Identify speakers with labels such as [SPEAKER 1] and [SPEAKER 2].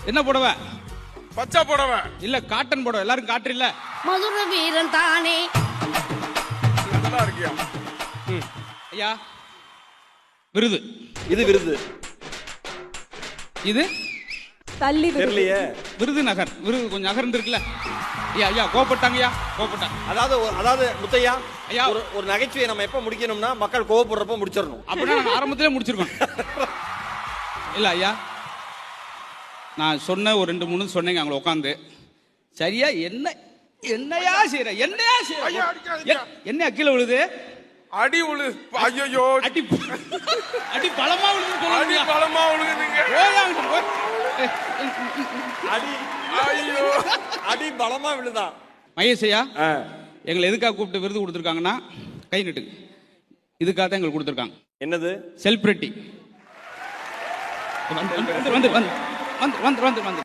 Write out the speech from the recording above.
[SPEAKER 1] என்ன புடவை?
[SPEAKER 2] பச்சை புடவை.
[SPEAKER 1] இல்ல காட்டன் புடவை. எல்லாரும் காட்டு இல்ல.
[SPEAKER 3] மதுர வீரன் தானே.
[SPEAKER 2] நல்லா இருக்கியா?
[SPEAKER 1] ஐயா விருது.
[SPEAKER 4] இது விருது.
[SPEAKER 1] இது
[SPEAKER 5] தள்ளி
[SPEAKER 4] தெரியலையே.
[SPEAKER 1] விருது நகர். விருது கொஞ்சம் நகர்ந்து இருக்குல்ல. ஐயா ஐயா கோபப்பட்டாங்கய்யா, கோபப்பட்டாங்க.
[SPEAKER 4] அதாவது முத்தையா,
[SPEAKER 1] ஐயா
[SPEAKER 4] ஒரு நகைச்சுவையை நம்ம எப்ப முடிக்கணும்னா மக்கள் கோவப்படுறப்ப முடிச்சிடணும்.
[SPEAKER 1] அப்படின்னா நாங்க ஆரம்பத்திலே முடிச்சிருக்கோம். இல்ல ஐயா, நான் சொன்ன ஒரு 2-3 சொன்னீங்க அங்க உட்காந்து. சரியா என்னையா செய்யற? என்னையா
[SPEAKER 2] ஐயா, அடிக்காதீங்க.
[SPEAKER 1] என்ன கீழே விழுது?
[SPEAKER 2] அடி உழுது. ஐயோ,
[SPEAKER 1] அடி அடி பலமா விழுது.
[SPEAKER 2] அடி பலமா உழுகுதுங்க.
[SPEAKER 4] அடி
[SPEAKER 2] ஐயோ,
[SPEAKER 4] அடி பலமா விழுதா?
[SPEAKER 1] மகேஷ் ஐயா, எங்களை எதுக்காக கூப்பிட்டு விருது கொடுத்துருக்காங்கன்னா, கை நட்டுங்க. இதுக்காக தான் எங்களுக்கு கொடுத்துருக்காங்க.
[SPEAKER 4] என்னது?
[SPEAKER 1] செலிபிரிட்டி. வந்து வந்து வந்து வந்து வந்து வந்து வந்து